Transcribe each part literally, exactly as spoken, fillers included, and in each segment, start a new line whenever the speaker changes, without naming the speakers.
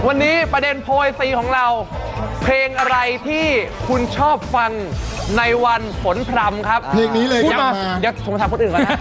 วันนี้ประเด็นโพยซีของเรา เพลงอะไรที่คุณชอบฟังในวันฝนพรำครับ
เพลงนี้เลย
พูด
ครับ
มา
มา
เดี๋ยวผมถามคนอื่นก่อนนะ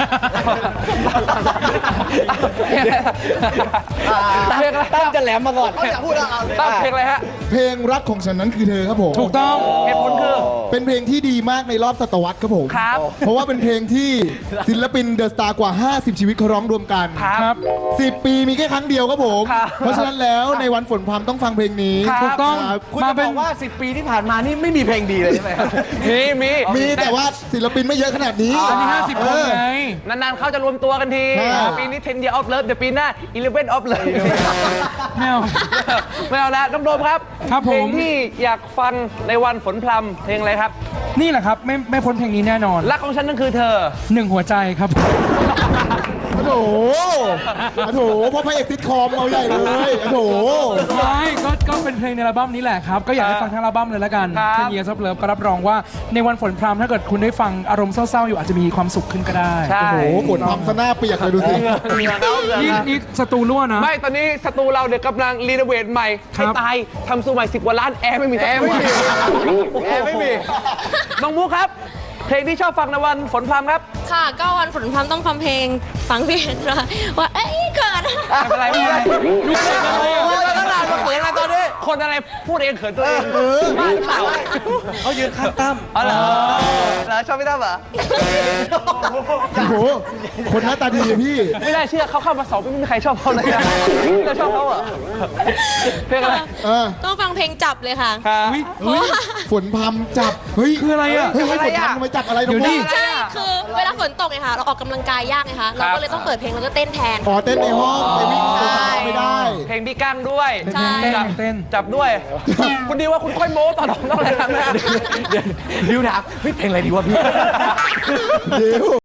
เพลงอะไร
ตั้มจะแหลมมาก่อน
เขาอยากพูดเอาตั้งเพลงอะไรฮะ
เพลงรักของฉันนั้นคือเธอครับผม
ถูกต้องเหตุผลคือ
เป็นเพลงที่ดีมากในรอบศตวรรษครับผม
ครับ
เพราะว่าเป็นเพลงที่ศิลปินเดอะสตาร์กว่า ห้าสิบ ชีวิตเขาร้องรวมกัน
ครับ
สิบ ปีมีแค่ครั้งเดียวครับผม
ครับ
เพราะฉะนั้นแล้วในวันฝนพรำต้องฟังเพลงนี้
ครับ
ถูกต้อง
คุณจะบอกว่าสิบปีที่ผ่านมานี่ไม่มีเพลงดีเลยใช่ไหมครับ
มีมี
มีแต่ว่าศิลปินไม่เยอะขนาดนี้
อันนี้
เ
ห้าสิบคนไง
นานๆเขาจะรวมตัวกันที
ครับ
ปีนี้ ten year of love เดี๋ยวปีหน้า eleven of love
ไม่เอา
ไม่เอาแล้วน้องโดมครับ
ครับผม
เพลงที่อยากฟังในวันฝนพรำเพลงอะไรครับ
นี่แหละครับ ไม่ไม่พ้นเพลงนี้แน่นอน
รักของฉันนั่นคือเธอ
หนึ่งหัวใจครับ
โอ้โหโอ้โหเพราะพระเอกซิทคอมเอาใหญ่เลยโอ้โห
ไม่ก็ก็เป็นเพลงในอัลบั้มนี้แหละครับ ก็อยากให้ฟังทั้งอัลบั้มเลยละกัน
ครับ
เทนเยียร์ซับเลิฟก็รับรองว่าในวันฝนพรำถ้าเกิดคุณได้ฟังอารมณ์เศร้าๆอยู่อาจจะมีความสุขขึ้นก็ได้
ใช่
โอ้โหฝนพรำซะหน้าเปียกเลยดูสิ
นี่นี่สตูรั่วนะ
ไม่ตอนนี้สตูเราเดี๋ยวกำลังรีโนเวทใหม่
ครั
ให้
บ
ตายทำสูใหม่สิบกว่าล้านแอร์ไม่มีแอร์ไม่มีแอร์ไม่มีน้องมุกครับ เพลงที่ชอบฟังในวันฝนพรำครับ
ค่ะก็วันฝนพรำต้องฟังเพลงฟังเพลงนะว่าเอ้ยเกิด
ไม่เป็นไรไม่เป็นไรดูเขินอะไรตั้งนานมาเขินอะไรตอนนี้ คนอะไรพูดเองเขินตัวเองบ้าหรือเปล่า
เขายืนข้างตั้ม
อ๋อเหรอเหรอชอบพี่ตั้มเหรอ
โอ้โหคนหน้าตาดีอะพี่
ไม่ได้เชื่อเขาเข้ามาสองปีไม่มีใครชอบเขาเลยนะเราชอบเขาเหรอเพลงอะไร
เออ
ต้องฟังเพลงจับเลยค่ะ
ครับ
เพราะว่า
ฝนพรำจับ เฮ้ย
คืออะไรอ่ะ
เฮ้ยเฮ้ยฝนพรำทำไมจับอะไรน้อง
เดี๋ยวดิ
มุก
ใช่คือเวลาฝนตกไงคะเราออกกำลังกายยากไงคะเราก็เลยต้องเปิดเพลงแล้วก็เต้นแทน
อ๋อเต้นในห้องไปวิ่ง
ใช่
ไม่ได้
เพลงพี่กั้งด้วย
ใช่
เต้น
จับ
เต้น
จับด้วย คุณดีว่าคุณค่อยโม้ตอนต้องอะไรทำนะ
ดิวถามเฮ้ยเพลงอะไรดีวะพี่
เดี๋ยว